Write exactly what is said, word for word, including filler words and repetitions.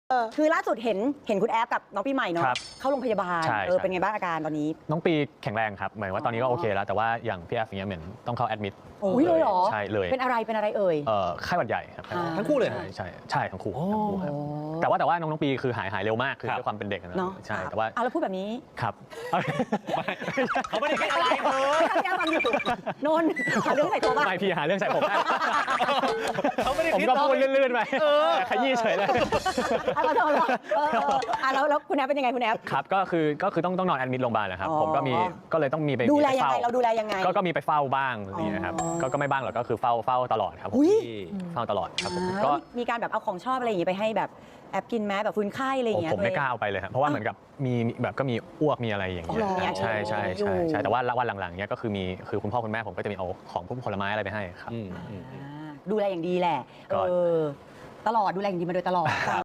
คือล่าสุดเห็นเห็นคุณแอฟกับน้องปีใหม่เนาะเข้าโรงพยาบาลเออเป็นไงบ้างอาการตอนนี้น้องปีแข็งแรงครับเหมือนว่าตอนนี้ก็โอเคแล้วแต่ว่าอย่างพี่แอฟอย่างเงี้ยเหมือนต้องเข้าแอดมิดโอ้ยเลยเหรอใช่เลยเป็นอะไรเป็นอะไรเอ่ยเอ่อไข้หวัดใหญ่ครับทั้งคู่เลยใช่ใช่ใช่ทั้งคู่ครับแต่ว่าแต่ว่าน้องน้องปีคือหายหายเร็วมากคือด้วยความเป็นเด็กนะใช่แต่ว่าอ่ะแล้วพูดแบบนี้ครับเขาไม่ได้คิดอะไรเลยท่านยังฟังอยู่นนท์หาเรื่องใส่ตัวบ้างไม่พี่หาเรื่องใส่ผมเขาไม่ได้ผมก็พูดลื่นๆไปขยี้เฉยเลยอ่ะเราเราอ่ะแล้วแล้วคุณแอฟเป็นยังไงคุณแอฟครับก็คือก็คือต้องต้องนอนแอดมิดโรงพยาบาลนะครับผมก็มีก็เลยต้องมีไปดูแลยังไงเราดูแลยังไงก็ก็มีไปเฝ้าบ้างนี่นะครับก็ก็ไม่บ้างหรอกก็คือเฝ้าเฝ้าตลอดครับเฝ้าตลอดครับผมก็มีการแบบเอาของชอบอะไรอย่างงี้ไปให้แบบแอบกินแม้แบบฟื้นไข้อะไรอย่างเงี้ยผมไม่กล้าเอาไปเลยครับเพราะว่าเหมือนกับมีแบบก็มีอ้วกมีอะไรอย่างเงี้ยใช่ใช่ใช่ใช่แต่ว่าวันหลังๆเนี้ยก็คือมีคือคุณพ่อคุณแม่ผมก็จะมีเอาของพวกผลไม้อะไรไปให้ครับดูแลอย่างดีแหละเออตลอดดูแลอย่างดีมาโดยตลอด